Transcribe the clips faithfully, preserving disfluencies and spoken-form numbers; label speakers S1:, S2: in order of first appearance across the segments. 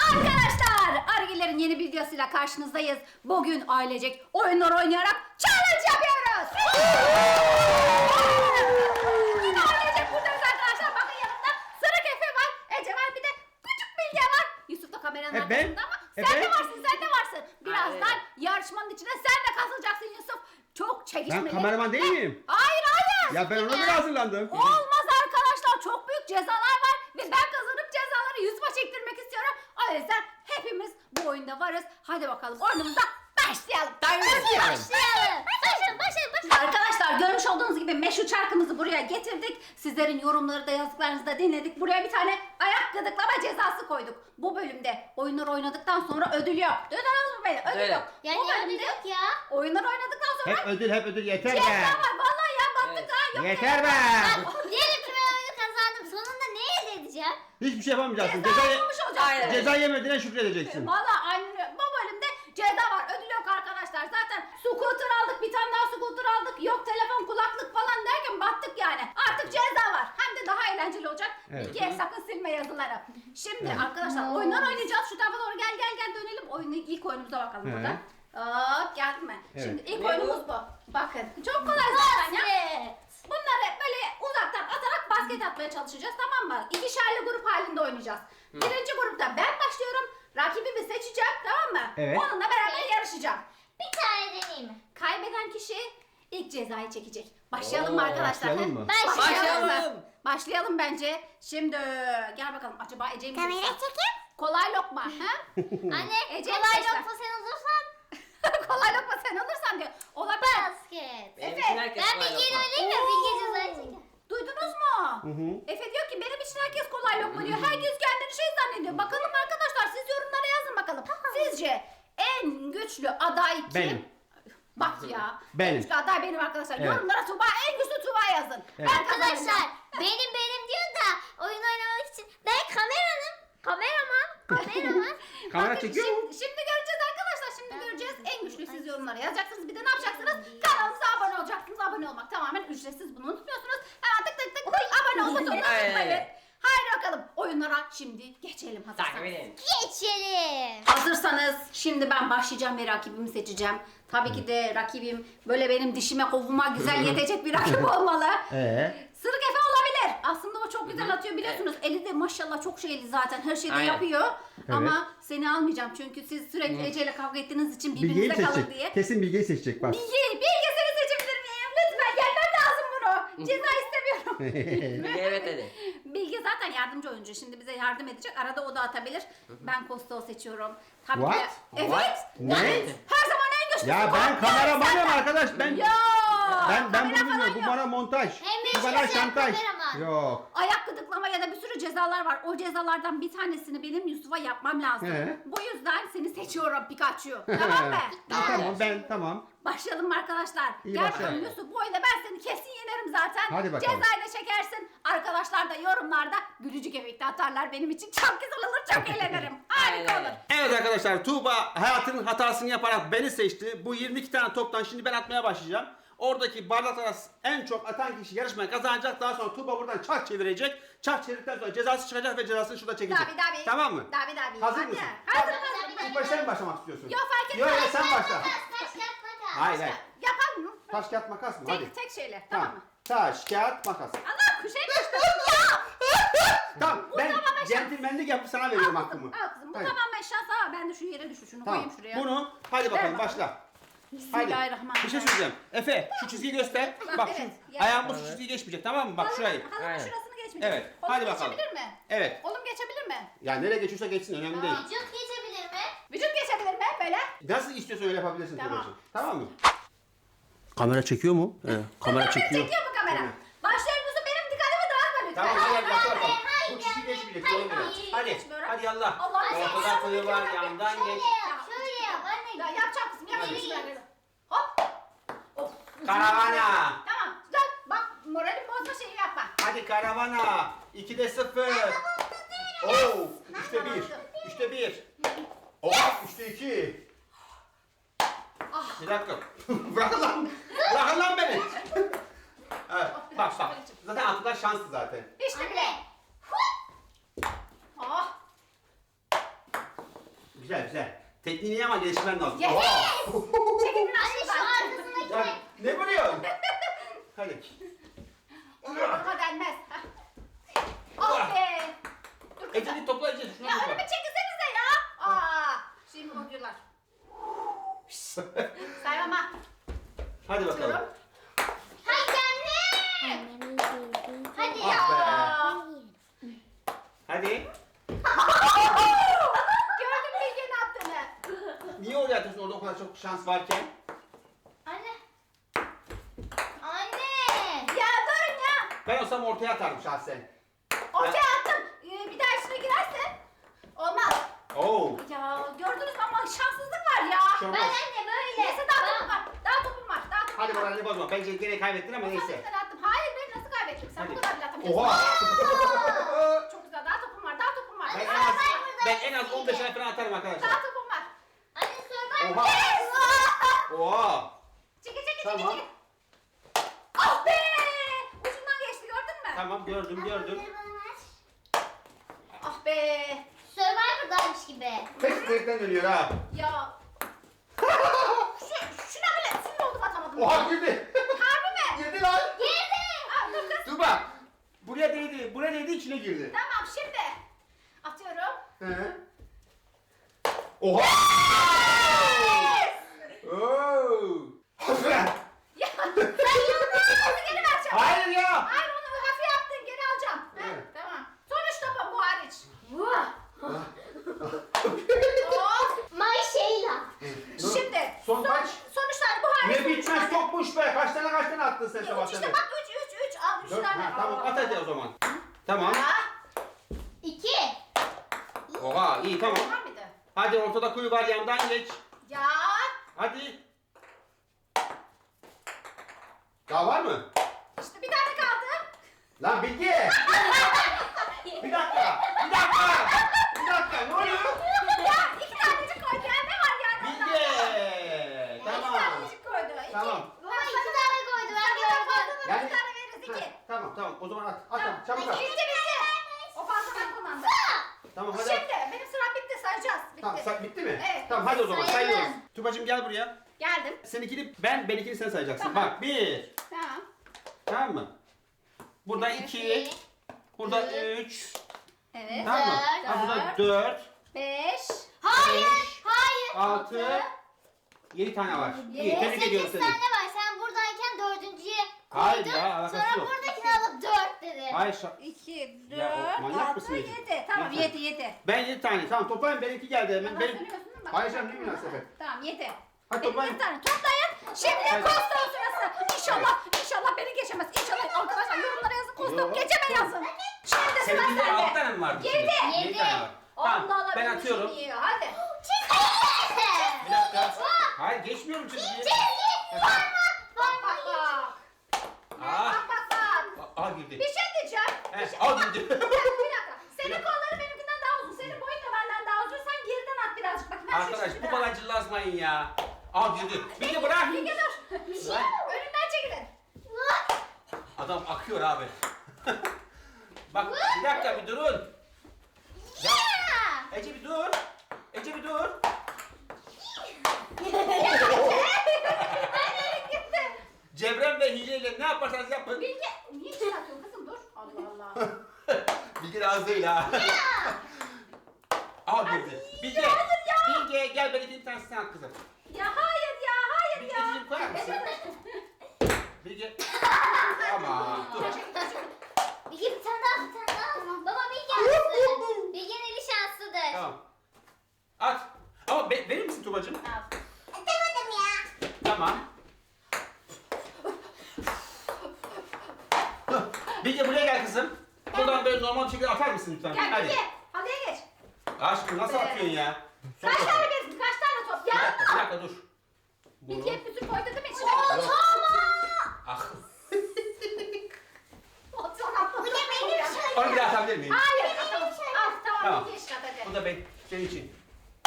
S1: Arkadaşlar, Argiler'in yeni videosuyla karşınızdayız. Bugün ailecek oyunlar oynayarak challenge yapıyoruz. Yine ailecek buradayız arkadaşlar. Bakın yanımda Sırık Efe var, Ece var, bir de küçük Bilge var. Yusuf da kameranın
S2: E ben?
S1: arkasında ama
S2: E
S1: sen
S2: ben?
S1: de varsın, sen de varsın. Birazdan
S3: Aynen.
S1: yarışmanın içine sen de katılacaksın Yusuf. Çok çekişmeli.
S2: Ben kameraman değil miyim?
S1: Hayır hayır.
S2: Ya ben ona göre hazırlandım.
S1: Olmaz arkadaşlar, çok büyük cezalar var ve ben kazanıp cezaları Yusuf'a çektirmek istiyorum. O yüzden hepimiz bu oyunda varız. Hadi bakalım oyunumuza başlayalım.
S3: Başlayalım.
S1: Başlayalım. Başlayalım, başlayalım, başlayalım. Arkadaşlar görmüş olduğunuz gibi meşhur çarkımızı buraya getirdik. Sizlerin yorumları da yazdıklarınızı da dinledik. Buraya bir tane ayak gıdıklama cezası koyduk. Bu bölümde oyunlar oynadıktan sonra ödül yok. Duydunuz mu beni? Ödül
S3: Evet.
S1: yok.
S4: Ya
S1: Bu
S4: niye
S1: bölümde
S4: ödül yok ya?
S1: oyunlar oynadıktan sonra
S2: Hep ödül hep ödül yeter
S1: ceza
S2: be.
S1: var. Vallahi ya battık
S3: Evet.
S1: ha. Yok
S2: Yeter be.
S4: Diyelim ki ben oyunu kazandım. Sonunda ne elde edeceğim?
S2: Hiçbir şey yapamayacaksın.
S1: Ceza
S2: Ceza,
S1: yapmış olacaksın.
S3: Aynen.
S2: ceza yemediğine şükredeceksin.
S1: Valla aynı bu bölümde ceza var, ödül yok arkadaşlar. Zaten scooter aldık, bir tane daha scooter aldık. Yok telefon, kulaklık falan derken battık yani. Artık ceza var. Hem de daha eğlenceli olacak.
S2: Evet.
S1: İkiye sakın silme yazıları. Şimdi
S2: Evet.
S1: arkadaşlar oyunlar oynayacağız. Şu tarafa doğru gel gel gel dönelim. Oyunu ilk oyunumuza bakalım
S2: Evet.
S1: buradan. Hop geldi mi?
S2: Evet.
S1: Şimdi ilk
S3: Ne
S1: oyunumuz
S3: bu?
S1: bu. Bakın çok kolay zaten ya.
S4: Evet.
S1: Bunları böyle uzaktan atarak basket atmaya çalışacağız, tamam mı? İkişerli grup halinde oynayacağız. Birinci grupta ben başlıyorum. Rakibimi seçeceğim, tamam mı?
S2: Evet.
S1: Onunla beraber yarışacağım.
S4: Bir tane deneyeyim mi?
S1: Kaybeden kişi ilk cezayı çekecek. Başlayalım mı
S3: Oo,
S1: arkadaşlar?
S2: başlayalım
S1: he?
S2: mı?
S1: Başlayalım. mı?
S3: Başlayalım.
S1: Başlayalım bence. Şimdi gel bakalım, acaba Ece'yi mi
S4: Kamera
S1: seçsem?
S4: çekeyim.
S1: Kolay lokma. Ha?
S4: Anne
S1: Ece
S4: kolay
S1: seçti.
S4: lokma sen olursan
S1: Kolay lokma sen alırsan diyor. Olabilir.
S4: basket.
S3: Benim
S1: Efe,
S3: için herkes
S4: Ben
S3: kolay
S4: Bilge'yi
S3: lokma.
S4: oynayayım mı? Bilge cezayı çeker.
S1: Duydunuz mu?
S2: Hı hı.
S1: Efe diyor ki benim için herkes kolay lokma diyor. Herkes kendini şey zannediyor. Bakalım arkadaşlar, siz yorumlara yazın bakalım. Sizce en güçlü aday kim?
S2: Benim.
S1: Bak ya.
S2: Benim.
S1: En güçlü aday benim arkadaşlar.
S2: Evet.
S1: Yorumlara Tuba, en güçlü Tuba yazın.
S2: Evet.
S1: Ben kazanacağım.
S4: Arkadaşlar benim benim diyor da oyun oynamak için ben kameranım. Kameraman. Kameraman.
S2: Kamera
S1: Bakın
S2: çekiyor mu?
S1: şimdi, şimdi göreceğiz arkadaşlar. Şimdi göreceğiz. En güçlü siz yorumlara yazacaksınız. Bir de ne yapacaksınız? Kanalımıza abone olacaksınız. Abone olmak tamamen ücretsiz. Bunu unutmuyorsunuz. Hemen tık tık tık tık abone ol butonuna
S3: Aynen.
S1: tıklayın. Haydi bakalım. Oyunlara şimdi geçelim
S3: Takip
S1: hazırsanız.
S3: edin.
S4: Geçelim.
S1: Hazırsanız şimdi ben başlayacağım ve rakibimi seçeceğim. Tabii ki de rakibim böyle benim dişime kovuma güzel yetecek bir rakip olmalı.
S2: Ee?
S1: Sırık Efe olabilir. Aslında o çok güzel atıyor biliyorsunuz. Eli de maşallah çok şeyli zaten. Her şeyi de
S3: Aynen.
S1: yapıyor. Ama seni almayacağım çünkü siz sürekli Ece ile kavga ettiğiniz için
S2: Bilge'yi
S1: birbirinize kalın
S2: seçecek.
S1: diye.
S2: Kesin Bilge'yi seçecek bak.
S1: Bilge, Bilge seni seçebilir miyim? Lütfen gelmem lazım bunu. Ceza istemiyorum.
S3: Bilge evet dedi.
S1: Bilge zaten yardımcı oyuncu. Şimdi bize yardım edecek. Arada o da atabilir. Ben Kosto seçiyorum. Tabii ki de-
S2: What?
S1: Evet.
S3: What?
S2: Ne?
S1: Evet. Her zaman en güçlüsü.
S2: Ya ben kameramanım arkadaş. Ben
S1: Ya.
S2: ben ben bunu
S1: kamera
S2: bilmiyorum.
S1: falan
S2: Bu
S1: yok.
S2: bana montaj.
S4: Hem
S2: Bu bana
S4: yaşasın
S2: şantaj.
S4: kameraman.
S2: Yok.
S1: Ayak gıdıklama ya da bir sürü cezalar var. O cezalardan bir tanesini benim Yusuf'a yapmam lazım.
S2: He.
S1: Bu yüzden seni seçiyorum Pikachu. Tamam mı?
S2: Tamam ben tamam.
S1: Başlayalım mı arkadaşlar?
S2: İyi,
S1: Gel
S2: başlayalım.
S1: bakalım Yusuf, bu oyunda ben seni kesin yenerim zaten.
S2: Hadi bakalım.
S1: Cezayı da çekersin. Arkadaşlar da yorumlarda gülücük efekti atarlar. Benim için çok güzel olur, çok eğlenirim. Harika
S3: Aynen.
S1: olur.
S2: Evet arkadaşlar, Tuğba hayatının hatasını yaparak beni seçti. Bu yirmi iki tane toptan şimdi ben atmaya başlayacağım. Oradaki bardaklara en çok atan kişi yarışmayı kazanacak. Daha sonra Tuğba buradan çark çevirecek. Çark çevirdikten sonra cezası çıkacak ve cezasını şurada çekecek.
S1: Dabi dabi.
S2: Tamam mı?
S1: Dabi dabi.
S2: Hazır
S1: Hadi.
S2: mısın?
S1: Hazır
S4: Dabi,
S1: hazır.
S4: dabi,
S2: İlk başta sen mi başlamak istiyorsun?
S1: Yok, fark
S2: Yok
S1: etmez.
S2: yok, sen başla.
S4: Taş kağıt makas.
S2: Hayır hayır.
S1: Yapalım mı?
S2: Taş kağıt makas mı? Hadi.
S1: Tek, tek şeyle. Tamam mı?
S2: Taş kağıt makas.
S1: Allah kuşa yapıştı. Ya.
S2: Tamam ben
S1: tamamen şans.
S2: centilmenlik yapıp sana veriyorum
S1: Al
S2: hakkımı.
S1: kızım, al kızım. Bu
S2: Hadi.
S1: tamamen şans. Ha, ben de şu yere düşür. Şunu
S2: Tamam.
S1: koyayım şuraya.
S2: Bunu hadi bakalım
S1: bakalım.
S2: başla. Hadi.
S1: Bismillahirrahmanirrahim.
S2: Bir şey söyleyeceğim. Efe şu çizgiyi göster.
S1: Bak,
S2: Bak
S1: evet,
S2: şu
S1: yani.
S2: ayağın bu çizgiyi geçmeyecek, tamam mı? Bak
S1: Halının-
S2: şurayı.
S1: Halının
S3: Aynen.
S1: şurasını geçmeyecek.
S2: Evet,
S1: Oğlum
S2: hadi bakalım.
S1: geçebilir mi?
S2: Evet.
S1: Oğlum geçebilir mi?
S2: Ya nereye geçiyorsa geçsin, önemli değil.
S4: Vücut geçebilir mi?
S1: Vücut geçebilir mi? Böyle.
S2: Nasıl istiyorsan öyle yapabilirsin
S1: Tamam.
S2: Tuğba'cığım. Tamam mı? Kamera çekiyor mu? Evet, kamera
S1: Çekiyor mu kamera?
S2: Evet.
S1: Başlayalım Yusuf, benim dikkatimi dağıtma lütfen.
S2: Tamam hadi yap bakalım.
S4: hayır,
S2: Bu çizgi
S4: hayır,
S2: geçmeyecek.
S4: hayır,
S2: Doğru mu?
S4: hayır.
S2: Hadi.
S1: Geçmiyorum.
S2: Hadi yallah.
S1: Allah'ım sen
S2: Ortada
S1: yardım
S2: koyu
S1: et,
S2: var,
S1: yardım et.
S2: yandan geç.
S4: Şöyle yap. Şöyle yap. Anne.
S1: Ya yapacak mısın? Yapacak mısın?
S4: Nereye?
S1: Böyle. Hop. Of.
S2: Karavana.
S1: Tamam. Güzel. Bak moralim bozma şeyi yapma.
S2: Hadi karavana. ikide sıfır. Oo. Üçte bir. Üçte bir. Oh. Üçte iki.
S1: Ah.
S2: Bir dakika. Bırakın lan. Bırakın lan beni. Evet. Bak bak. Zaten atlar şanslı zaten.
S1: İşte bile.
S4: Anne.
S1: Oh.
S2: Güzel güzel. Tekniğini ama geliştirmen lazım.
S1: Yes!
S2: Oha!
S1: Çekilin
S4: Anne şu
S1: aşağıdan.
S4: arkasındaki
S2: Ya,
S4: ne?
S2: ne vuruyorsun? Hadi.
S1: Ona denmez. Ah be. Dur kızım.
S2: Ece'ni topla Ece. Şunu
S1: Ya
S2: topla.
S1: önümü çekilsenize ya. Aa, şimdi koydular. Saymama.
S2: Hadi bakalım.
S1: Atıyorum.
S4: Hadi anne. Hadi
S2: Ah
S4: ya.
S1: Aa.
S2: Hadi.
S1: Gördün mü Bilge ne yaptığını?
S2: Niye oraya atıyorsun orada o kadar çok şans varken?
S4: Anne. Anne.
S1: Ya durun ya.
S2: Ben olsam ortaya atardım şahsen.
S1: Ortaya attım. Ee, bir daha içine girerse olmaz.
S2: Oo.
S1: Ya gördünüz mü ama şanssızlık var ya.
S2: Şu an-
S4: Ben anne böyle.
S1: Neyse daha topum var. Daha topum var. Daha topum
S2: Hadi
S1: var.
S2: moralini bozma. Bence gene kaybettin ama neyse.
S1: Sen attım. Hayır ben nasıl kaybettim? Sen
S2: Hadi.
S1: bu kadar bile atamayacaksın.
S2: Oha!
S1: Çok güzel. Daha topum var. Daha topum var.
S2: Ben en
S1: Daha,
S2: az, ben en az on beş ay falan atarım arkadaşlar.
S1: daha topum var.
S4: Anne Survivor.
S2: Oha!
S1: Yes!
S2: Oha!
S1: Çekil çekil
S2: Tamam.
S1: çekil çekil. Ah be! Ucundan geçti gördün mü?
S2: Tamam gördüm gördüm.
S1: Ah be!
S4: Survivor'daymış gibi.
S2: Pek zevkten ölüyor ha.
S1: Ya. Şu, şuna bile sinir oldum atamadım.
S2: Oha girdi.
S1: Harbi mi?
S2: Girdi lan.
S1: Girdi. Aa, dur kız.
S2: Dur bak. Buraya değdi. Buraya değdi içine girdi.
S1: Tamam şimdi. Atıyorum.
S2: He. Oha! Oo!
S1: Ya sen yıldızı geri vereceğim.
S2: Hayır ya.
S1: Hayır onu hafif yaptın geri alacağım. Heh,
S2: Evet.
S1: tamam. Sonuç topu bu hariç. Vah. Of.
S4: My Sheila.
S1: Şimdi
S2: Son kaç?
S1: sonuçlar bu hariç.
S2: Ne bitmez çokmuş be. Kaç tane kaç tane attın sen
S1: Üç
S2: sabah
S1: işte
S2: sen?
S1: bak üç üç üç al üç
S2: Dört.
S1: tane.
S2: Ha, tamam
S1: Aa.
S2: at hadi o zaman. Tamam.
S1: Ya.
S4: İki.
S2: Oha iyi tamam.
S1: Var mıydı?
S2: Hadi ortada kuyu var yandan geç.
S1: Ya.
S2: Hadi. Daha var mı?
S1: İşte bir tane kaldı.
S2: Lan Bilge. Bir dakika. Bir dakika. Bir dakika. Ne oluyor?
S1: Ya iki tanecik koydu ya ne var yani?
S2: Bilge.
S1: İki
S2: Tamam.
S1: tanecik koydu. İki.
S2: Tamam.
S4: Baba iki tane koydu ben gördüm.
S2: Yani-
S1: Bir tane veririz iki.
S2: Ha, tamam tamam o zaman at. At
S1: Tamam.
S2: hadi, çabuk at.
S1: Bitti bitti. O fazladan kullandı.
S2: Tamam hadi.
S1: Şimdi benim sıram bitti sayacağız. Bitti.
S2: Tamam say- bitti mi?
S1: Evet.
S2: Tamam hadi o zaman
S4: Sayalım.
S2: sayıyoruz. Tubacığım gel buraya.
S1: Geldim.
S2: Seninkini ben, benimkini sen sayacaksın.
S1: Tamam.
S2: Bak bir.
S1: Tamam.
S2: Tamam mı? Burada
S4: Bir,
S2: iki. Burada
S4: üç,
S2: üç.
S1: Evet.
S2: Tamam mı?
S4: dört,
S2: Ha, burada
S1: dört,
S2: dört.
S1: beş,
S4: Hayır.
S2: Beş.
S4: Hayır.
S2: Altı. Yedi tane var. İyi
S1: Yedi,
S2: tebrik ediyorum
S4: Sekiz
S2: seni.
S4: tane var. Sen buradayken dördüncüye
S2: Hayır
S4: koydun.
S2: ya, alakası
S4: Sonra
S2: yok.
S4: buradakini alıp dört dedin.
S2: Hayır şa-
S1: iki,
S2: Ya, o
S1: dört,
S2: manyak
S1: altı,
S2: mısın Ece?
S1: yedi. Tamam
S2: Lütfen.
S1: yedi yedi.
S2: Ben yedi tane. Tamam toplayın benimki geldi hemen.
S1: Bana
S2: Benim...
S1: söylüyorsun değil mi? Bak.
S2: Hayır canım ne münasebet.
S1: Tamam yedi.
S2: Hadi
S1: Benim
S2: toplayın.
S1: yedi tane toplayın. Şimdi
S2: Hayır.
S1: Kostok sırası. İnşallah, inşallah beni geçemez. İnşallah arkadaşlar yorumlara yazın. Kostok
S2: Yok.
S1: geçeme yazın. Şimdi sıra
S2: Seninkinde altı
S1: sende.
S2: tane mi vardı?
S1: Yedi.
S2: içinde?
S4: Yedi.
S2: tane var. Tamam
S1: Allah Allah
S2: ben
S1: benim
S2: atıyorum.
S1: işim iyi. Hadi.
S2: Bir dakika. Hayır geçmiyorum çizgiyi.
S1: Bak bak bak.
S2: Aa.
S1: Bak bak bak.
S2: Aa girdi.
S1: Bir şey diyeceğim. Bir
S2: Evet,
S1: şey-
S2: al girdi.
S1: Bir dakika, bir dakika. Senin kolları benimkinden daha uzun. Senin boyun da benden daha uzun. Sen geriden at birazcık. Bak ben şu
S2: Arkadaş
S1: işi
S2: bu
S1: biraz-
S2: kadar cıllasmayın ya. Al girdi. Bilge bırak.
S1: Bilge dur.
S2: Lan.
S1: Önümden çekilin.
S2: Adam akıyor abi. Bak bir dakika bir durun. Ya, Ece bir dur. Ece bir dur.
S1: Gitti.
S2: Cebrem ve hileyle ne yaparsanız yapın.
S1: Bilge niye çıkartıyorsun kızım dur. Allah Allah.
S2: Bilge de az değil ha. Al girdi. Bilge. Bilge gel ben iki tane sen at kızım.
S1: Ya hayır ya hayır
S2: Bilge
S1: ya.
S2: dilim koyar mısın? Bilge. Ama dur.
S4: Bilge bir tane daha bir tane daha. Baba Bilge şanslı. Bilge'nin eli şanslıdır.
S2: Tamam. At. Ama be- verir misin Tubacığım?
S1: Al.
S4: Atamadım ya.
S2: Tamam. Bilge buraya gel kızım. Buradan böyle normal bir şekilde atar mısın lütfen?
S1: Gel
S2: Hadi.
S1: Bilge. Halıya geç.
S2: Aşkım nasıl
S1: Ee,
S2: atıyorsun ya? Sok
S1: Kaç
S2: bakalım.
S1: tane bir kaç tane top?
S2: Bir
S1: Ya.
S2: dakika, bir dakika dur.
S1: Bilge hep bütün koydu değil mi içine?
S2: Yok.
S1: Tamam.
S2: Ah.
S1: O son atladı.
S4: Bu da benim şey.
S2: Onu bir daha atabilir miyim?
S1: Hayır. Tamam. Al tamam.
S2: Tamam.
S1: Bilge işte hadi.
S2: Bu da ben, senin için.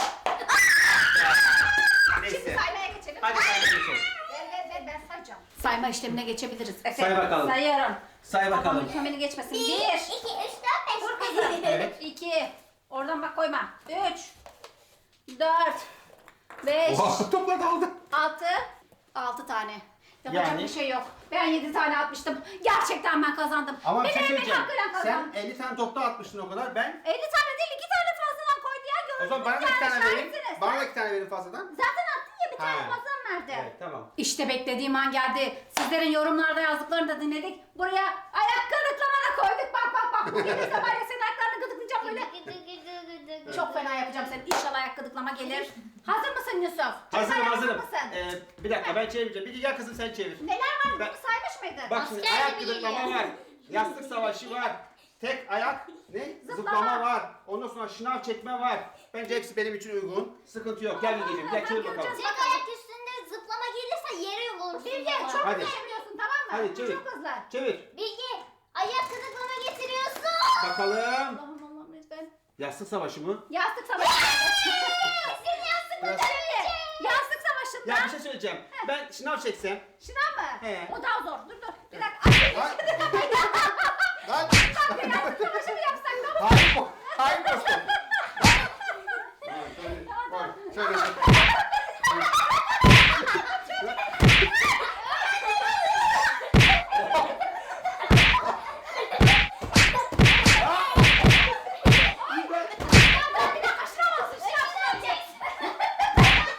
S1: Şimdi
S2: Neyse.
S1: saymaya geçelim.
S2: Hadi saymaya geçelim.
S1: Ver ver ver ben sayacağım. Sayma işlemine geçebiliriz. Efe,
S2: Say bakalım.
S1: Sayıyorum.
S2: Say
S1: Babam
S2: bakalım.
S1: mükemmeli geçmesin.
S4: Bir,
S1: Bir.
S4: iki, üç, dört, beş.
S1: Dur kızım.
S2: Evet.
S1: İki. Oradan bak koyma. Üç. dört, beş,
S2: Oha, toplar dağıldı.
S1: altı, altı tane. Yapacak
S2: Yani-
S1: bir şey yok. Ben yedi tane atmıştım. Gerçekten ben kazandım.
S2: Ama bir şey
S1: Bileğimin
S2: söyleyeceğim.
S1: hakkıyla
S2: Sen
S1: kazandım.
S2: elli tane topta atmıştın o kadar. Ben
S1: elli tane değil, iki tane fazladan koydu ya.
S2: o
S1: Gördünüz
S2: zaman bana da iki
S1: yani,
S2: tane vereyim.
S1: şahitsiniz.
S2: Bana da iki tane verin fazladan.
S1: Zaten attın ya, bir tane
S2: Ha.
S1: fazladan verdi.
S2: Evet tamam.
S1: İşte beklediğim an geldi. Sizlerin yorumlarda yazdıklarını da dinledik. Buraya ayak gıdıklama da koyduk. Bak bak bak. Bu gelirse var ya senin ayaklarını gıdıklayacağım böyle. Çok fena yapacağım seni. İnşallah ayak gıdıklama gelir. Hazır mısın Yusuf?
S2: Hazırım
S1: Çocuklar,
S2: hazırım.
S1: Hazır mısın?
S2: Ee, bir dakika ben çevireceğim. Bir gel kızım sen çevir.
S1: Neler var?
S2: Ben-
S1: Bunu saymış mıydın?
S2: Bak şimdi
S4: Asker
S2: ayak
S4: gibi
S2: gıdıklama
S4: geliyor.
S2: var. Yastık savaşı var. Tek ayak ne?
S1: Zıplama.
S2: Zıplama var. Ondan sonra şınav çekme var. Bence hepsi benim için uygun. Sıkıntı yok. Gel Bilge'ciğim gel çevir bakalım.
S4: Tek ayak üstünde zıplama gelirse yere yumulursun.
S1: Bilge
S4: baba.
S1: çok
S2: Hadi.
S1: hızlı yapıyorsun, tamam mı?
S2: Hadi, çevir.
S1: Çok hızlı.
S2: Çevir.
S4: Bilge ayak gıdıklama getiriyorsun.
S2: Bakalım.
S1: Allah'ım Allah'ım lütfen.
S2: Yastık savaşı mı?
S1: Yastık savaşı.
S4: Senin yastık
S2: Biraz-
S1: Şimdi yastık savaşında.
S2: Ya bir şey söyleyeceğim. Ben şınav çeksem.
S1: Şınav mı?
S2: He.
S1: O daha zor. Dur dur. Bir dakika.
S2: Lan. Lan.
S1: Bir yastık savaşı mı yapsak ne olur?
S2: Hayır bu. Hayır dostum. Şöyle. Şöyle.
S1: Bir dakika şınav olsun. Şınav şınav.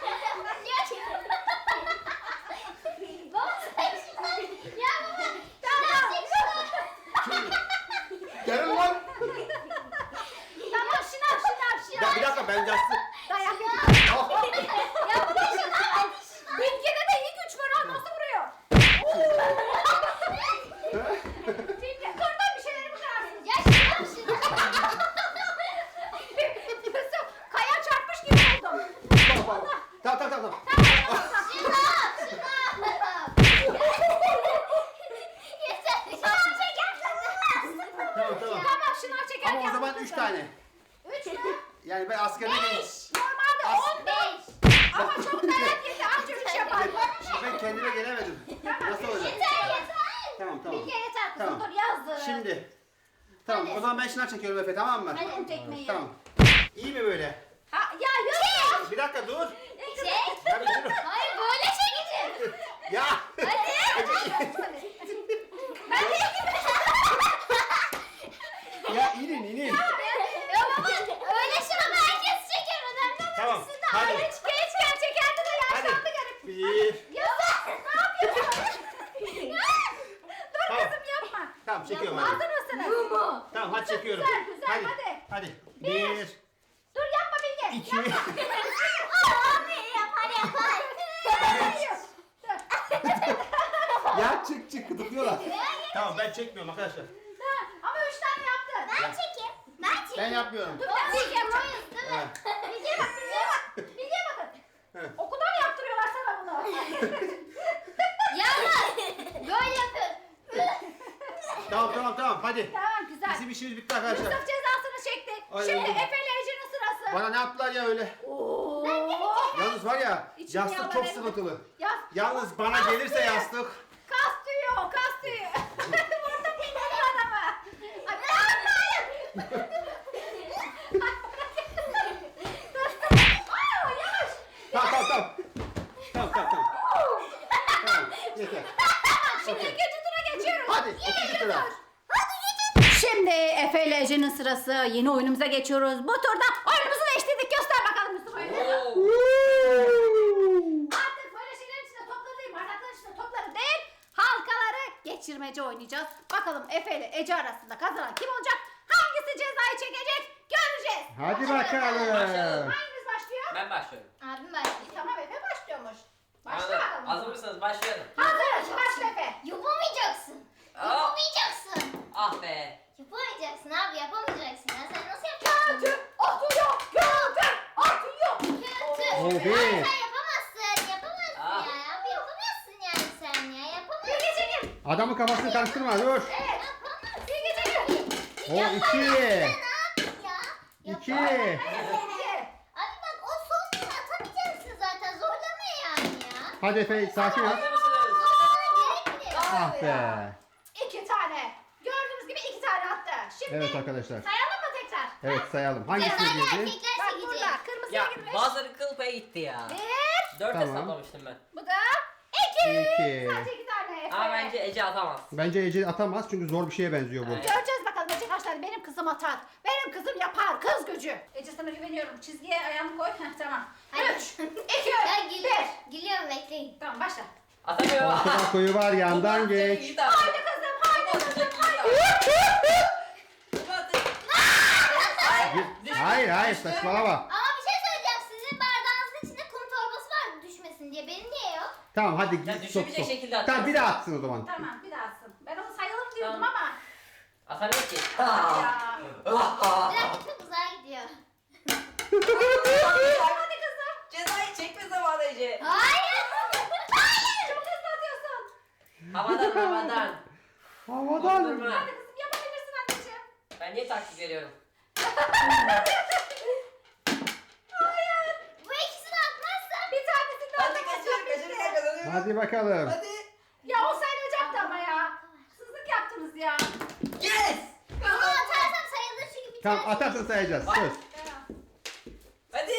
S2: Gelin lan.
S1: Tamam şınav şınav şınav.
S2: Ya bir dakika ben yastık.
S1: Dayak yedim.
S2: Oh.
S1: Bilge'de de iyi güç var ha. Nasıl vuruyor? Bilge kırdan bir şeyleri mi kırarsın? Yusuf kaya çarpmış gibi oldum.
S2: Bak, bak, bak. Tamam tamam tamam. Tamam tamam.
S1: Tamam şınav çekerken.
S2: Ama o zaman
S1: vurdun
S2: üç
S1: sen.
S2: tane.
S1: Üç mü?
S2: Yani ben askerine değilim.
S1: Normalde
S2: As-
S1: on beş. Ama çok dayak yedi. Anca üç yapar.
S2: Ben kendime gelemedim. Nasıl olacak? Tamam tamam.
S1: Bilge yeter kızım
S2: Tamam.
S1: dur yazdı.
S2: Şimdi. Tamam o zaman ben şınav çekiyorum Efe tamam mı?
S1: Hadi tekmeyi.
S2: Tamam. İyi mi böyle?
S1: Ha, ya Yusuf.
S2: Bir dakika dur.
S4: Çek.
S2: Ya bir dur.
S4: Hayır böyle çekeceğim.
S2: Ya. Ya inin inin.
S4: Ya baba öyle şınav herkes çeker. Önemli olan
S2: Tamam,
S4: sizin
S2: hadi.
S4: aile
S1: Gençken çekerdi de
S2: Hadi.
S1: yaşlandı garip.
S2: Bir.
S1: Yusuf ne yapıyorsun? Dur
S2: Tamam.
S1: kızım yapma.
S2: Tamam çekiyorum
S1: Hazır
S2: hadi.
S1: mısınız?
S4: mu?
S2: Tamam hadi çekiyorum.
S1: Güzel, güzel,
S2: Hadi.
S1: hadi.
S2: Hadi.
S1: Bir.
S2: Bir.
S1: Dur yapma Bilge.
S2: İki.
S4: Abi yapar yapar.
S2: Ya çık çık gıdıklıyorlar. Tamam ben çekmiyorum arkadaşlar.
S1: Ha, ama üç tane yaptın.
S4: Ben çekeyim. Ben çekeyim.
S2: Ben yapmıyorum.
S1: Dur ben Bilge yapacağım.
S4: Değil mi?
S2: Evet.
S1: Bilge'ye bak, Bilge'ye bak. Bilge'ye bakın.
S2: Evet.
S1: Okulda mı yaptırıyorlar sana bunu?
S4: Yalnız böyle yapın.
S2: Tamam tamam tamam hadi.
S1: Tamam güzel.
S2: Bizim işimiz bitti arkadaşlar.
S1: Yusuf cezasını çekti.
S2: Ay,
S1: Şimdi
S2: oldu.
S1: Efe ile Ece'nin sırası.
S2: Bana ne yaptılar ya öyle?
S1: Oo.
S2: Yalnız var ya
S1: İçim
S2: yastık
S1: yalan
S2: çok
S1: evde.
S2: sıkıntılı.
S1: Yas-
S2: Yalnız bana
S1: Kas
S2: gelirse
S1: tüyü.
S2: yastık.
S1: Kas tüyü o, kas tüyü. Burada dinleniyor adamı. Ay, hayır. Aa, yavaş.
S2: Tamam tamam tamam. Tamam tamam tamam. Tamam yeter.
S1: Şimdi
S2: Okey.
S1: ikinci tura geçiyoruz.
S2: Hadi ikinci tura.
S1: Şimdi Efe ile Ece'nin sırası. Yeni oyunumuza geçiyoruz. Bu turda oyunumuzu değiştirdik. Göster bakalım Yusuf oyunu. Artık böyle şeylerin içinde topları değil, bardakların içinde topları değil, halkaları geçirmece oynayacağız. Bakalım Efe ile Ece arasında kazanan kim olacak? Hangisi cezayı çekecek? Göreceğiz.
S2: Hadi
S3: Başlayalım.
S2: bakalım.
S1: Hangimiz başlıyor?
S3: Ben başlıyorum.
S4: Abim başlıyor.
S1: Tamam Efe başlıyormuş. Başla
S3: Hazır,
S1: bakalım.
S3: hazır mısınız? Başlayalım.
S1: Hazırız. Başla Efe.
S4: Yapamayacaksın.
S3: Aa.
S4: Yapamayacaksın.
S3: Ah be.
S4: Yapamayacaksın abi yapamayacaksın. Ya sen nasıl yapacaksın?
S1: Kötü atıyor. Kötü atıyor.
S4: Kötü.
S2: Oo,
S4: Abi
S2: bir.
S4: sen yapamazsın. Yapamazsın
S3: Ah.
S4: ya. Abi yapamazsın yani sen ya. Yapamazsın.
S1: Bilge çekin.
S2: Adamın kafasını karıştırma dur.
S1: Evet.
S4: Yapamazsın.
S1: Bilge çekin.
S2: O iki.
S4: Ne yapayım ya?
S2: İki.
S1: İki.
S4: Abi bak o son gün atamayacaksın zaten. Zorlama yani ya.
S2: Hadi Efe sakin ol.
S3: Hazır mısınız?
S4: Zorlamana gerek bile yok.
S2: Ah be.
S1: İki tane. Gördüğünüz gibi iki tane attı. Şimdi
S2: Evet arkadaşlar.
S1: sayalım mı tekrar?
S2: Evet sayalım. Hangisini
S4: Cezayı
S2: girdi?
S4: erkekler
S1: Bak
S4: çekecek.
S1: burada kırmızı suya
S3: Ya
S1: girmiş.
S3: bazıları kıl payı gitti ya.
S1: Bir.
S3: Dört
S2: Tamam.
S3: hesaplamıştım ben.
S1: Bu da iki.
S2: İki.
S1: Sadece iki tane Efe.
S3: Ama bence Ece atamaz.
S2: Bence Ece atamaz çünkü zor bir şeye benziyor bu.
S3: Evet.
S1: Göreceğiz bakalım Ece kaç tane. Benim kızım atar. Benim kızım yapar. Kız gücü. Ece sana güveniyorum. Çizgiye ayağını koy. Heh, tamam.
S4: Hadi.
S1: Üç, iki,
S4: Ya
S1: bir.
S4: gülüyorum. Gülüyorum bekleyin.
S1: Tamam başla.
S3: Atamıyor.
S2: Ortada koyu var yandan
S3: Tuba,
S2: geç.
S3: iyi tamam.
S1: Haydi kızım. Haydi
S3: Tuba,
S1: kızım.
S3: iyi tamam. Tuba,
S2: Hayır hayır, hayır saçmalama.
S4: Ama bir şey söyleyeceğim. Sizin bardağınızın içinde kum torbası var düşmesin diye. Benim niye yok?
S2: Tamam hadi
S3: Ya
S2: git sok
S3: düşebilecek
S2: sok.
S3: şekilde at.
S2: Tamam bir daha atsın o zaman.
S1: Tamam bir daha atsın. Ben onu sayalım diyordum
S3: Tamam.
S1: ama.
S3: Atamıyor ki.
S1: Ya.
S4: Bir dakika çok uzağa gidiyor.
S1: Hadi kızım.
S3: Cezayı çekme zamanı Ece.
S4: Hayır. Hayır.
S1: Çok hızlı atıyorsun.
S3: Havadan havadan.
S2: Havadan.
S3: Vurdurma.
S1: Hadi kızım yapabilirsin anneciğim.
S3: Ben niye taktik veriyorum?
S4: Bu ikisini atmazsam.
S1: Bir tanesini
S3: Hadi
S1: atamazsan
S3: kaçır
S1: bitti.
S3: kaçır kazanıyorum.
S2: Hadi bakalım.
S3: Hadi.
S1: Ya o sayılacaktı ama ya. Sızlık yaptınız ya.
S3: Yes.
S4: Bunu atarsam sayılır çünkü bir
S2: Tamam
S4: tane.
S2: atarsan sayacağız. Söz.
S3: Hadi.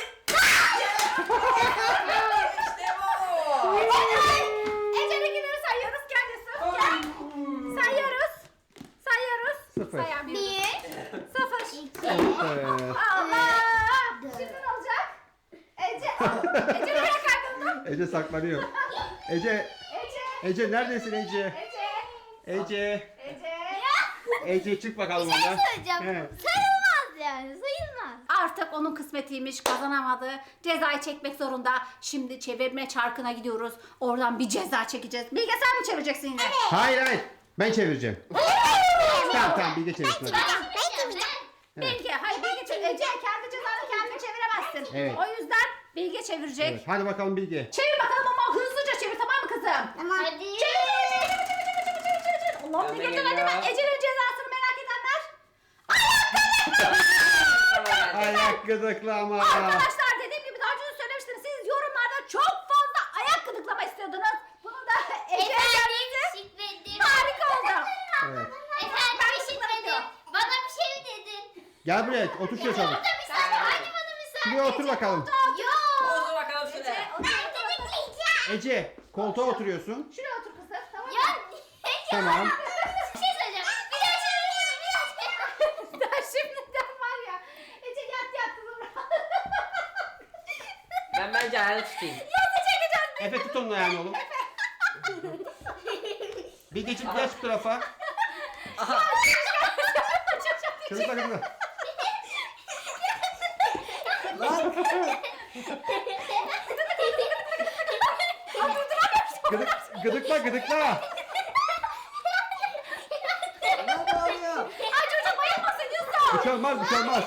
S3: İşte bu.
S1: Ece'ninkileri sayıyoruz kendisi. Gel. Sayıyoruz. Sayıyoruz.
S2: Sıfır.
S1: Sayamıyoruz.
S4: Bir.
S1: Sıfır.
S4: İki.
S2: Evet.
S1: Allah. Şimdi ne olacak? Ece. Ece nereye kayboldun?
S2: Ece saklanıyor. Ece,
S1: Ece.
S2: Ece neredesin Ece?
S1: Ece.
S2: Ece.
S1: Ece.
S2: Ece çık bakalım
S4: Bir şey
S2: oradan.
S4: söyleyeceğim.
S2: Evet.
S4: Sayılmaz yani. Sayılmaz.
S1: Artık onun kısmetiymiş, kazanamadı. Cezayı çekmek zorunda. Şimdi çevirme çarkına gidiyoruz. Oradan bir ceza çekeceğiz. Bilge sen mi çevireceksin yine?
S2: Hayır hayır. Ben çevireceğim. Tamam tamam Bilge çevirsin hadi.
S4: Ben çevireceğim.
S1: Bilge, hayır Bilge çevir. Ece kendi cezanı kendin çeviremezsin.
S2: Evet.
S1: O yüzden Bilge çevirecek.
S2: Evet, hadi bakalım Bilge.
S1: Çevir bakalım ama hızlıca çevir, tamam mı kızım?
S4: Hadi.
S1: Çevir, çevir, çevir, çevir, çevir, çevir, çevir, çevir. Allah'ım ne
S3: Gönder
S1: getir
S3: geliyor.
S1: acaba? Ece'nin cezasını merak edenler.
S2: Ayak gıdıklama.
S1: Arkadaşlar dediğim gibi daha önce de söylemiştim. Siz yorumlarda çok fazla ayak gıdıklama istiyordunuz. Bunu da Ece'ye
S4: Efendim
S1: gelmesi
S4: şifredim.
S1: harika oldu.
S2: Evet.
S4: Efendim şifredim. Bana bir şey mi dedin?
S2: Gel buraya otur şuraya çabuk.
S4: Orada müsaade. Hadi bana müsaade.
S2: Şuraya otur bakalım.
S4: Yok.
S3: Otur bakalım
S1: Ece,
S3: şuraya.
S1: otur,
S4: Ben
S1: otur, otur.
S4: tetikleneceğim.
S2: Ece koltuğa oturuyorsun.
S1: Şuraya otur kızım, tamam mı?
S4: Ya.
S2: Tamam.
S4: Bir şey söyleyeceğim. Bir daha çevirsene. Bir daha çevirsene.
S1: Daha şimdiden var ya. Ece yat yat kızım.
S3: Ben bence ayağını tutayım.
S1: Nasıl çekeceğiz?
S2: Efe tut onun ayağını oğlum. Bilgeciğim geç bu tarafa.
S3: Aha.
S2: Çocuklar kızım.
S3: Lan.
S2: Gıdık, gıdıkla gıdıkla.
S3: Ne oluyor?
S1: Ay çocuk bayılmasın Yusuf.
S2: Bir şey olmaz bir şey olmaz.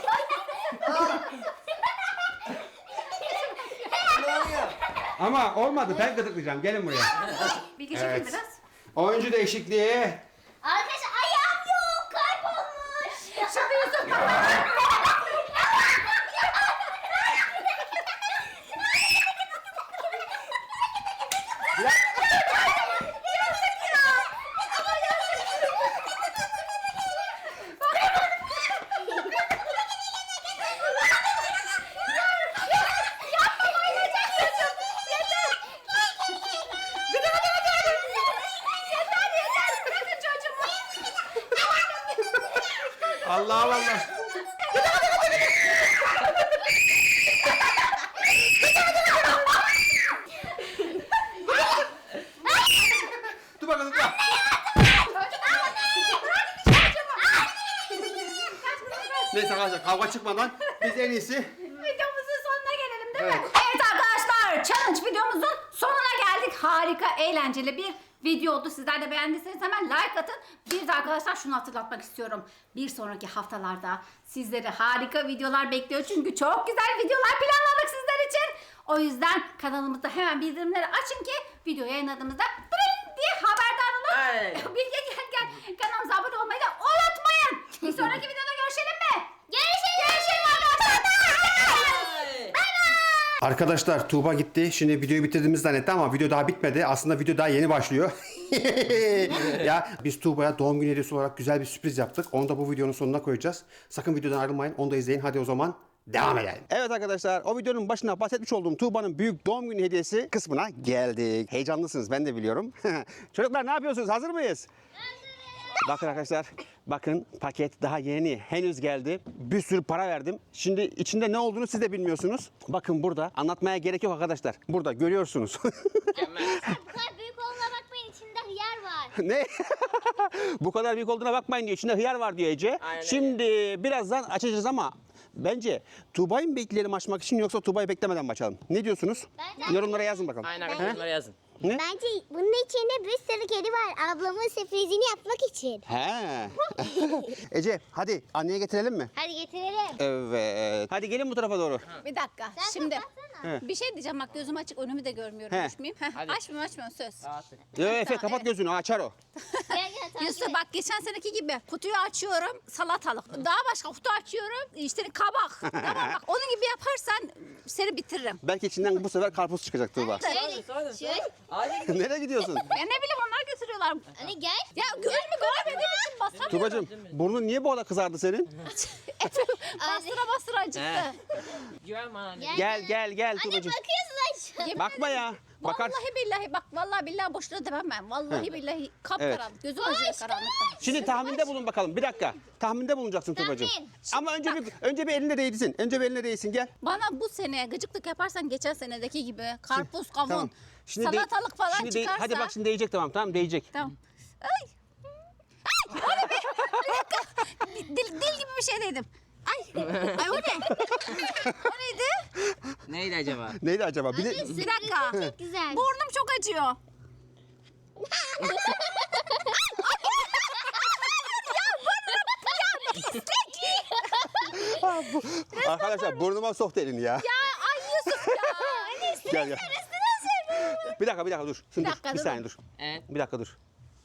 S3: Ne oluyor?
S2: Ama olmadı ben gıdıklayacağım. Gelin buraya.
S1: Bilge
S2: Evet.
S1: çekin biraz.
S2: Oyuncu değişikliği.
S4: Arkadaşlar ayağım yok. Kaybolmuş.
S1: Şimdi Yusuf.
S2: Allah Allah. Dur bakalım. Dur. Neyse arkadaşlar kavga çıkmadan biz en iyisi
S1: Videomuzun sonuna gelelim değil mi?
S2: Evet.
S1: Evet arkadaşlar challenge videomuzun sonuna geldik. Harika, eğlenceli bir video oldu. Sizler de beğendiyseniz hemen like atın. Bir de arkadaşlar şunu hatırlatmak istiyorum. Bir sonraki haftalarda sizleri harika videolar bekliyor. Çünkü çok güzel videolar planladık sizler için. O yüzden kanalımızda hemen bildirimleri açın ki video yayınladığımızda dırın diye haberdar olun.
S3: Aynen.
S1: Bilge gel gel. Kanalımıza abone olmayı da unutmayın. Bir sonraki videoda görüşelim mi? Görüşelim. Görüşelim arkadaşlar.
S3: Ay.
S2: Arkadaşlar Tuğba gitti. Şimdi videoyu bitirdiğimiz zannetti ama video daha bitmedi. Aslında video daha yeni başlıyor. Ya biz Tuğba'ya doğum günü hediyesi olarak güzel bir sürpriz yaptık. Onu da bu videonun sonuna koyacağız. Sakın videodan ayrılmayın. Onu da izleyin. Hadi o zaman devam edelim. Evet arkadaşlar, o videonun başına bahsetmiş olduğum Tuğba'nın büyük doğum günü hediyesi kısmına geldik. Heyecanlısınız, ben de biliyorum. Çocuklar ne yapıyorsunuz? Hazır mıyız? Bakın arkadaşlar, bakın paket daha yeni, henüz geldi. Bir sürü para verdim. Şimdi içinde ne olduğunu siz de bilmiyorsunuz. Bakın burada, anlatmaya gerek yok arkadaşlar. Burada görüyorsunuz.
S4: Bu kadar büyük olduğuna bakmayın, içinde hıyar var.
S2: Ne? Bu kadar büyük olduğuna bakmayın diyor. İçinde hıyar var diyor Ece.
S3: Aynen öyle.
S2: Şimdi birazdan açacağız ama bence Tuğba'yı mı bekleyelim açmak için yoksa Tuğba'yı beklemeden mi açalım? Ne diyorsunuz?
S4: Bence-
S2: Yorumlara yazın bakalım.
S3: Aynen
S2: He?
S3: arkadaşlar yazın.
S2: Ne?
S4: Bence bunun içinde bir sürü kedi var. Ablamın sürprizini yapmak için.
S2: He. Ece hadi anneye getirelim mi?
S4: Hadi getirelim.
S2: Evet. Hadi gelin bu tarafa doğru.
S1: Bir dakika.
S4: Sen
S1: Şimdi
S4: kapatsana.
S2: He.
S1: bir şey diyeceğim, bak gözüm açık, önümü de görmüyorum.
S2: He.
S1: Açmayayım. Heh,
S3: Hadi.
S1: açmıyorum açmıyorum, söz.
S3: Rahatlık.
S2: Yo, Efe kapat gözünü, açar o.
S4: Gel gel takip
S1: Yusuf
S4: et.
S1: bak, geçen seneki gibi kutuyu açıyorum, salatalık. Daha başka kutu açıyorum, işte kabak. Tamam bak, onun gibi yaparsan seni bitiririm.
S2: Belki içinden bu sefer karpuz çıkacak Tuğba.
S4: Şöyle,
S3: Sonra,
S4: şöyle.
S3: Hadi.
S2: Nereye gidiyorsun?
S1: Ya ne bileyim, onlar götürüyorlar.
S4: Hani gel.
S1: Ya önümü göremediğim için basamıyorum.
S2: Tuğbacığım burnun niye bu kadar kızardı senin?
S1: Bastıra bastıra acıktı.
S3: He. Güven bana anne.
S2: Gel gel gel
S4: Anne
S2: Tuğbacığım.
S4: bakıyorsun aşağı.
S1: Yemin
S2: Bakma ya. Bakar.
S1: Vallahi billahi bak, vallahi billahi boşuna demem ben. Vallahi billahi kapkaranlık. Gözüm acıyor karanlıktan.
S2: Şimdi tahminde bulun bakalım. Bir dakika. Tahminde bulunacaksın Tuğbacığım.
S4: Tahmin.
S2: Ama önce bir önce bir elinde değdirsin. Önce bir eline değsin gel.
S1: Bana bu sene gıcıklık yaparsan geçen senedeki gibi karpuz, kavun,
S2: Tamam. Şimdi de-
S1: salatalık falan
S2: şimdi de-
S1: çıkarsa.
S2: hadi bak şimdi değecek, tamam tamam değecek.
S1: Tamam. Ay. Ay, o ne be? Bir dakika. Dil, dil gibi bir şey dedim. Ay. Ay o ne? O neydi?
S3: Neydi acaba?
S2: Neydi acaba? Bir de-
S1: Bir dakika.
S4: Çok güzel.
S1: Burnum çok acıyor.
S2: Arkadaşlar burnuma soktu elini ya.
S1: Ya ay Yusuf ya.
S2: Gel gel. Bir dakika bir dakika dur. Şimdi
S1: Bir
S2: dur.
S1: dakika,
S2: Bir
S1: dur.
S2: saniye dur.
S3: Evet.
S2: Bir dakika dur.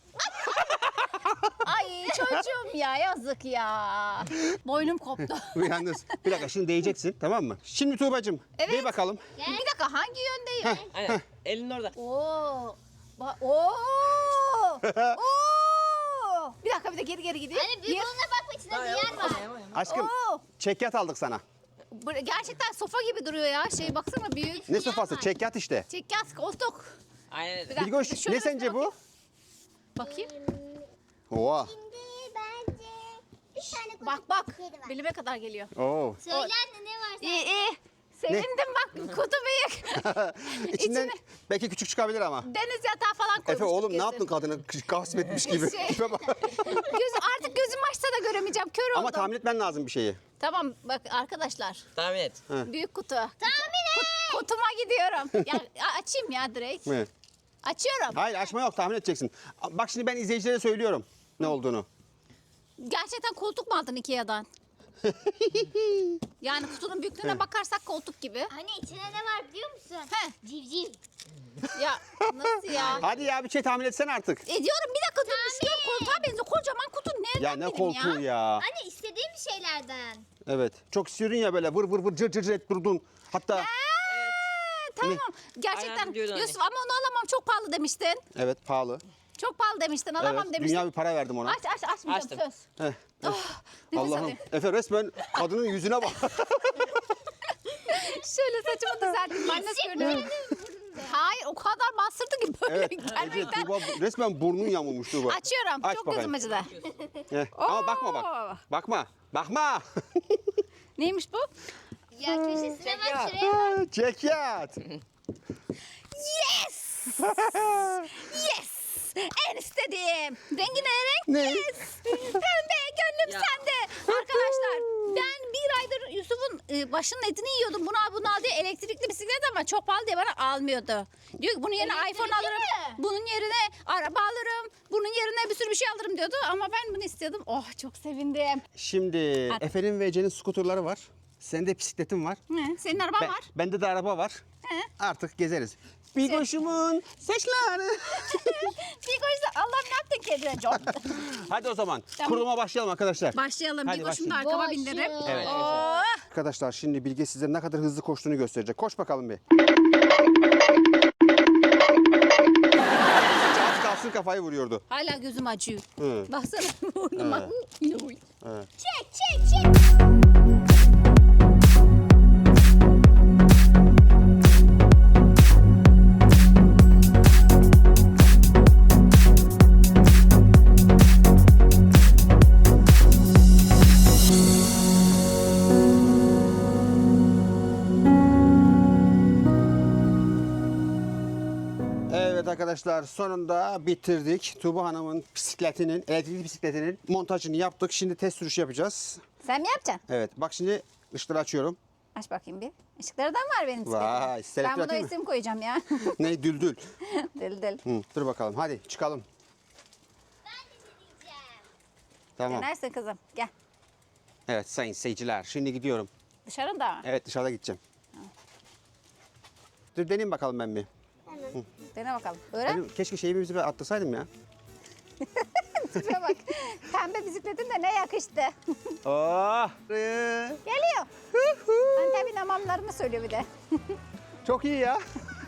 S1: Ay çocuğum ya, yazık ya. Boynum koptu.
S2: Yalnız bir dakika şimdi değeceksin, tamam mı? Şimdi Tuğbacığım
S1: Evet.
S2: değ bakalım.
S1: Bir dakika, hangi yöndeyim?
S3: Aynen. Elin orada.
S1: Oo. Ba Oo. Oo. Bir dakika, bir de geri geri gideyim.
S4: Hani büyük
S1: Bir-
S4: olduğuna bakma, içinde hıyar var.
S2: Aşkım
S1: Oo.
S2: çekyat aldık sana.
S1: Bu gerçekten sofa gibi duruyor ya. Şey baksana, büyük.
S2: Ne sofası? Çekyat işte.
S1: Çekyat koltuk.
S3: Aynen.
S1: Bir dakika,
S2: Bilgoş
S1: şöyle
S2: ne sence bu?
S1: Bakayım.
S2: Oha.
S4: Şimdi bence bir tane kutu
S1: Bak bak.
S4: kedi var.
S1: Bilime kadar geliyor.
S2: Oo.
S4: Söyle anne ne var
S1: İyi
S4: sende?
S1: iyi. Sevindim bak, kutu büyük.
S2: İçinden
S1: İçine-
S2: belki küçük çıkabilir ama.
S1: Deniz yatağı falan koymuştuk.
S2: Efe oğlum ne
S1: kesin.
S2: yaptın kadını gasp etmiş gibi.
S1: Şey-
S2: Tipe bak.
S1: Göz, artık gözüm açsa da göremeyeceğim. Kör oldum.
S2: Ama tahmin etmen lazım bir şeyi.
S1: Tamam bak arkadaşlar.
S3: Tahmin et.
S1: Büyük kutu. Tahmin et. Kutuma gidiyorum. Ya açayım ya direkt.
S2: Mi?
S1: Açıyorum.
S2: Hayır açma yok, tahmin edeceksin. Bak şimdi ben izleyicilere söylüyorum ne olduğunu.
S1: Gerçekten koltuk mu aldın Ikea'dan? Yani kutunun büyüklüğüne bakarsak koltuk gibi.
S4: Hani içine ne var biliyor musun?
S1: He.
S4: Civciv.
S1: Ya nasıl ya?
S2: Hadi ya bir şey tahmin etsene artık.
S1: Ediyorum, bir dakika dur, düşünüyorum, koltuğa benziyor. Kocaman kutu nereden
S2: Ya ne
S1: bileyim
S2: koltuğu ya.
S4: Anne istediğim şeylerden.
S2: Evet. Çok istiyordun ya böyle vır vır vır cır cır cır et durdun. Hatta
S1: Aa, tamam. Gerçekten
S3: Aynen diyordun anne.
S1: Yusuf, ama onu alamam, çok pahalı demiştin.
S2: evet pahalı.
S1: Çok pahalı demiştin, alamam
S2: Evet.
S1: demiştin.
S2: Dünya bir para verdim ona.
S1: Aç aç açmayacağım,
S3: Açtım.
S1: söz.
S2: Heh.
S1: Oh, nefes
S2: Allah'ım.
S1: alayım.
S2: Efe resmen kadının yüzüne bak.
S1: Şöyle saçımı düzelttim. Ben nasıl görünüyorum? Hayır, o kadar bastırdı ki böyle
S2: Evet. Ece,
S1: gerçekten.
S2: Tuğba resmen burnun yamulmuş Tuğba.
S1: Açıyorum.
S2: Aç
S1: çok
S2: bakayım.
S1: gözüm acıdı.
S2: Heh. Ama bakma
S1: Oo.
S2: bak. Bakma. Bakma.
S1: Neymiş bu?
S4: Ya köşesine bak
S3: Çek
S4: şuraya.
S2: Çekyat.
S1: Yes! Yes! En istediğim. Rengi ne renk?
S2: Ne?
S1: Yes! Pembe, gönlüm
S3: Ya.
S1: sende. Arkadaşlar, ben bir aydır Yusuf'un e, başının etini yiyordum. Bunu al bunu al diye, elektrikli bisiklet ama çok pahalı diye bana almıyordu. Diyor ki bunun yerine
S4: Elektrikli
S1: iPhone alırım.
S4: mi?
S1: Bunun yerine araba alırım. Bunun yerine bir sürü bir şey alırım diyordu. Ama ben bunu istiyordum. Oh, çok sevindim.
S2: Şimdi
S1: Hadi.
S2: Efe'nin ve Ece'nin skuterları var. Senin de bisikletin var.
S1: Ne? Senin araban
S2: Ben,
S1: var.
S2: bende de araba var.
S1: He.
S2: Artık gezeriz. Bir koşumun saçları.
S1: Bir koşsa Allah'ım, ne yaptın kedine John?
S2: Hadi o zaman
S1: Tamam.
S2: kuruluma başlayalım arkadaşlar.
S1: Başlayalım.
S2: Hadi
S1: Bir koşum da
S2: başlayalım.
S1: arkama bindiririm.
S2: Evet.
S1: Oh!
S2: Arkadaşlar şimdi Bilge size ne kadar hızlı koştuğunu gösterecek. Koş bakalım bir. Az kalsın kafayı vuruyordu.
S1: Hala gözüm acıyor.
S2: Hı.
S1: Baksana burnuma.
S2: Evet.
S4: Çek çek çek.
S2: arkadaşlar sonunda bitirdik. Tuğba Hanım'ın bisikletinin, elektrikli bisikletinin montajını yaptık. Şimdi test sürüşü yapacağız.
S1: Sen mi yapacaksın?
S2: Evet bak şimdi ışıkları açıyorum.
S1: Aç bakayım bir. Işıkları da mı var benim bisikletimde?
S2: Vay, selektör
S1: Ben buna
S2: atayım mı?
S1: isim koyacağım ya.
S2: Ne düldül.
S1: Dil dil.
S2: Hı, dur bakalım hadi çıkalım.
S4: Ben de deneyeceğim.
S2: Tamam.
S1: Denersin kızım. Gel.
S2: Evet sayın seyirciler şimdi gidiyorum.
S1: Dışarıda mı?
S2: Evet dışarıda gideceğim. Dur deneyim bakalım ben bir.
S1: Dene bakalım. Öğren.
S2: Benim, keşke şeyimizi bir atlasaydım ya.
S1: Şuraya bak. Pembe bisikletin de ne yakıştı.
S2: Oh.
S1: Geliyor. Antep'in hamamlarını söylüyor bir de.
S2: Çok iyi ya.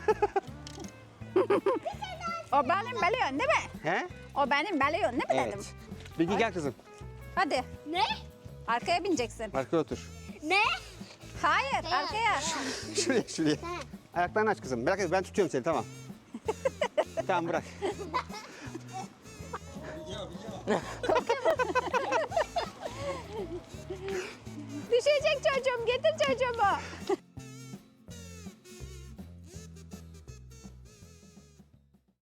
S1: O benim biliyorsun değil mi?
S2: He?
S1: O benim biliyorsun değil mi dedim.
S2: Evet. Bilgi gel kızım.
S1: Hadi.
S4: Ne?
S1: Arkaya bineceksin.
S2: Arkaya otur.
S4: Ne?
S1: Hayır arkaya.
S2: Şuraya şuraya. Ayaklarını aç kızım. Merak etme ben tutuyorum seni tamam. Tamam bırak.
S1: Düşecek çocuğum. Getir çocuğumu.